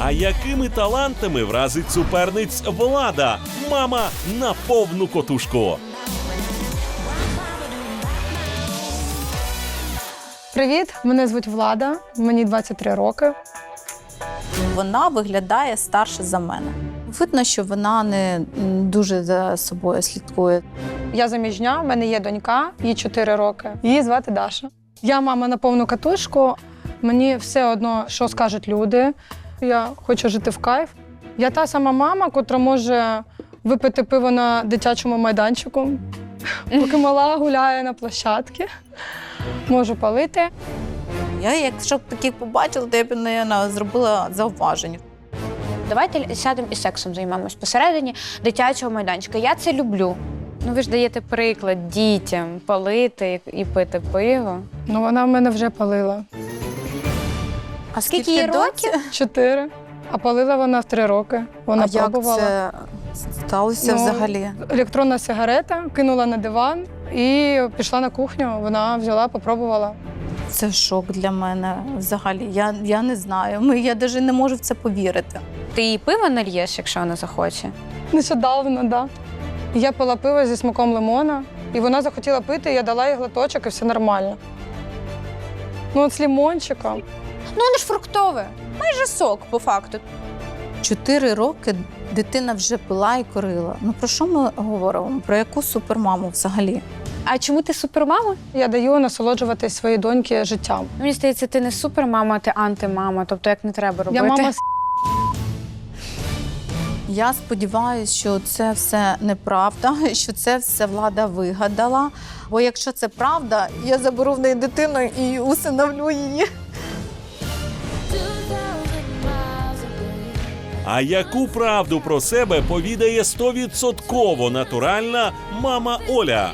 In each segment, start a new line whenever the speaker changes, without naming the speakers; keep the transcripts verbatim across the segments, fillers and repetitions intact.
А якими талантами вразить суперниць Влада? Мама на повну котушку.
Привіт, мене звуть Влада, мені двадцять три роки.
Вона виглядає старше за мене. Видно, що вона не дуже за собою слідкує.
Я заміжня, в мене є донька, їй чотири роки. Її звати Даша. Я мама на повну катушку, мені все одно, що скажуть люди. Я хочу жити в кайф. Я та сама мама, котра може випити пиво на дитячому майданчику, поки мала гуляє на площадці. Можу палити.
Я, якщо б таких побачила, то я б, мабуть, зробила зауваження.
Давайте сядемо і сексом займемось посередині дитячого майданчика. Я це люблю. Ну, ви ж даєте приклад дітям палити і пити пиво.
Ну, вона в мене вже палила.
А
скільки їй років?
Чотири. А палила вона в три роки. Вона
А як
пробувала.
це сталося
Ну,
взагалі?
Електронна сигарета, кинула на диван і пішла на кухню. Вона взяла, попробувала.
Це шок для мене взагалі. Я, я не знаю. Ми, я навіть не можу в це повірити.
Ти їй пиво нальєш, якщо вона захоче?
Нещодавно, так. Да. Я пила пиво зі смаком лимона, і вона захотіла пити, я дала їй глоточок, і все нормально. Ну, от з лимончиком.
Ну, воно ж фруктове. Майже сок, по факту.
Чотири роки дитина вже пила і курила. Ну про що ми говоримо? Про яку супермаму взагалі?
А чому ти супермама?
Я даю насолоджуватись своїй доньки життям.
Мені здається, ти не супермама, а ти антимама. Тобто, як не треба робити.
Я мама с***.
Я сподіваюся, що це все неправда, що це все Влада вигадала. Бо якщо це правда, я заберу в неї дитину і усиновлю її.
А яку правду про себе повідає стовідсотково натуральна мама Оля?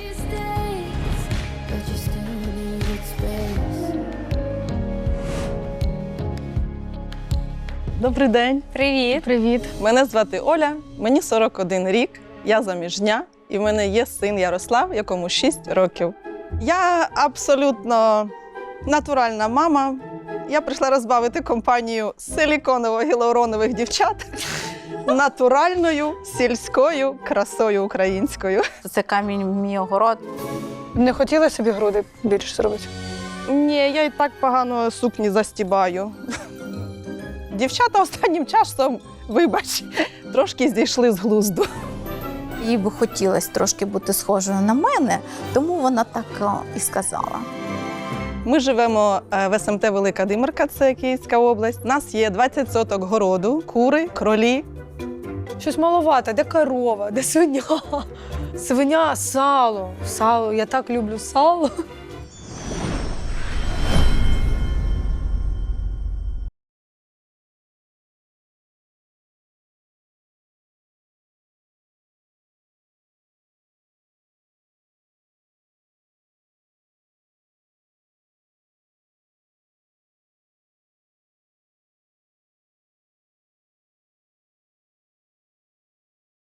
Добрий день.
Привіт.
Привіт.
Мене звати Оля, мені сорок один рік, я заміжня, і в мене є син Ярослав, якому шість років. Я абсолютно натуральна мама. Я прийшла розбавити компанію силіконово-гіалуронових дівчат натуральною сільською красою українською.
Це камінь в мій огород.
Не хотіла собі груди більше зробити?
Ні, я і так погано сукні застібаю. Дівчата останнім часом, вибач, трошки зійшли з глузду.
Їй би хотілося трошки бути схожою на мене, тому вона так о, і сказала.
Ми живемо в ес ем те Велика Димирка, це Київська область. У нас є двадцять соток городу, кури, кролі.
Щось маловато. Де корова, де свиня? Свиня, сало. Сало. Я так люблю сало.